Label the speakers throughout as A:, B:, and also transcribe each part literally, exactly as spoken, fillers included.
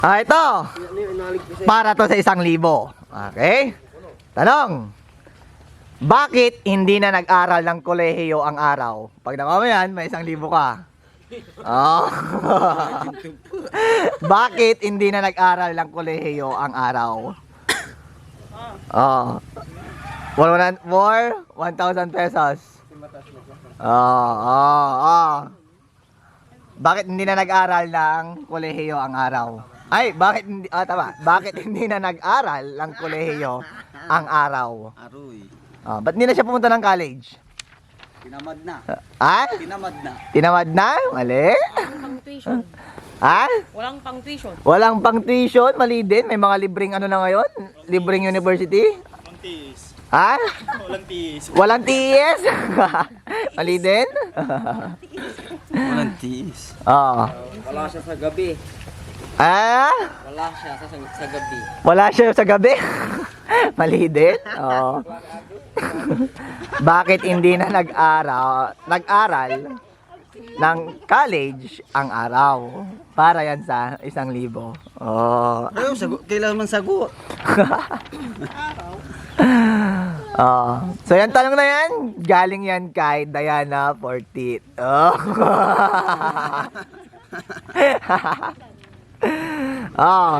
A: Ah, ito. Para to sa isang libo. Okay? Tanong. Bakit hindi na nag-aral ng kolehiyo ang araw? Pag nakuha mo yan, may isang libo ka. Oh. Bakit hindi na nag-aral ng kolehiyo ang araw? Oh. one more, one thousand pesos. Oh, oh, oh. Bakit hindi na nag-aral ng kolehiyo ang araw? Ay, bakit hindi, ah, tama. Bakit hindi na nag-aral ng kolehiyo ang araw?
B: Aroy.
A: Ah, ba't hindi na siya pumunta ng college?
B: Tinamad na.
A: Ah?
B: Tinamad na.
A: Tinamad na? Mali?
C: Walang pang tuition.
A: Ah?
C: Walang pang tuition.
A: Walang pang tuition? Mali din? May mga libreng ano na ngayon? Libreng university?
D: Walang tiis.
A: Ah?
D: Walang tiis.
A: Walang tiis? Mali din?
B: Walang tiis.
A: Oo.
B: Wala siya sa gabi.
A: Ah?
B: Wala siya sa, sa gabi.
A: Wala siya sa gabi? Mali din? Oo. Bakit hindi na nag-aral, nag-aral ng college ang araw? Para yan sa isang libo. Oh.
B: Ayaw, sagot. Kailangan man sagot.
A: Oh. So yan tanong na yan, galing yan kay Diana Fortit. Oh. Oh.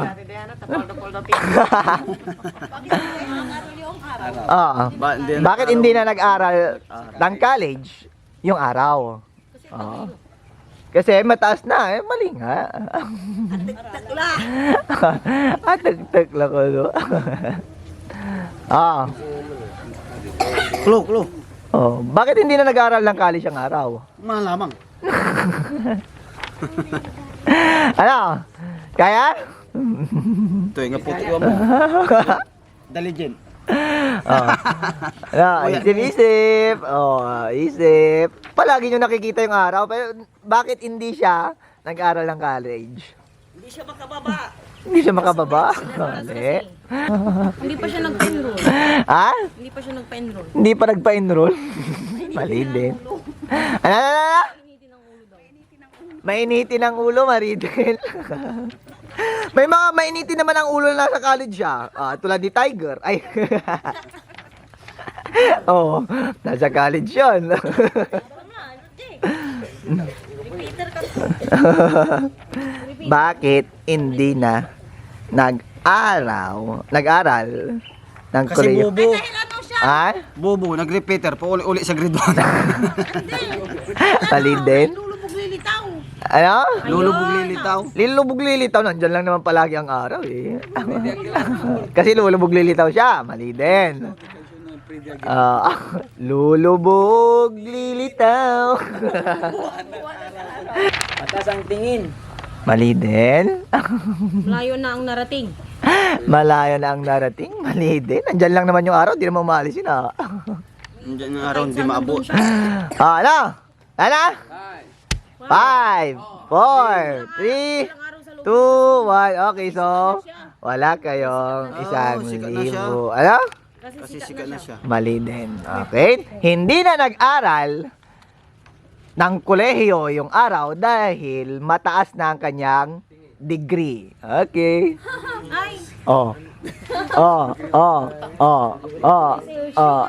A: Oh.
B: Ba, hindi na-
A: Bakit hindi na nag-aral ng college yung araw? Oh. Kasi mataas na eh, mali nga. Ah, tagtag lang ko. No? Ah.
B: Klo, klo.
A: Oh, bakit hindi na nag-aral ng college ang araw?
B: Malamang.
A: Ano? Kaya?
B: Ito yung puti ko mo. Daligin.
A: Oh. Ano, isip-isip. Oh, isip. Palagi nyo nakikita yung araw, pero bakit hindi siya nag-aral ng college?
C: Hindi siya makababa.
A: Hindi siya makababa? Mali.
C: Hindi pa siya nagpa-enroll.
A: Ha?
C: Hindi pa siya nagpa-enroll.
A: Hindi pa nagpa-enroll? Mali din. Ano, ano, ano? Mainitin ang ulo, Maridel. May mga mainitin naman ang ulo na nasa college siya. Ah, tulad ni Tiger. Ay. Oh, nasa college yun. Bakit hindi na nag-araw, nag-aral ng
B: Kasi
A: Korea?
B: bobo.
A: Ah?
B: Bobo, nag-repeater. Pauli-uli sa grade one.
A: Mali din?
C: Lulubog lilitaw.
A: Ano?
B: Lulubog lilitaw.
A: Lulubog lilitaw, nandyan lang naman palagi ang araw eh. Kasi lulubog lilitaw siya, mali din. Ah, lulubog lilitaw.
B: Atas ang tingin.
A: Mali din.
C: Malayo na ang narating.
A: Malayo na ang narating, mali din. Nandyan lang naman yung araw, di naman maalis yun ah.
B: Diyan yung araw hindi maabot.
A: Ah, ano? Ano? Five, four, three, two, one. Okay, so wala kayong isang
B: Oh, sikat na siya.
A: libo. Ano?
B: Kasi sikat na siya.
A: Mali din. Okay? Hindi na nag-aral ng kolehiyo yung araw dahil mataas na ang kanyang degree. Okay?
C: Ay,
A: Oh. Oh, oh, oh, oh, oh.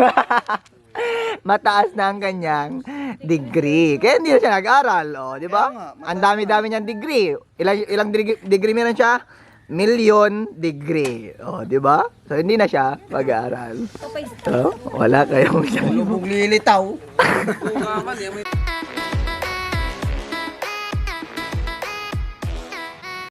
A: Mataas na ang kanyang degree. Kaya hindi na siya nag-aral, oh, di ba? Ang dami-dami niyang degree. Ilang ilang degree, degree meron siya? Million degree. Oh, di ba? So hindi na siya mag-aaral. Oh, wala kayong
B: Lulubog lilitaw.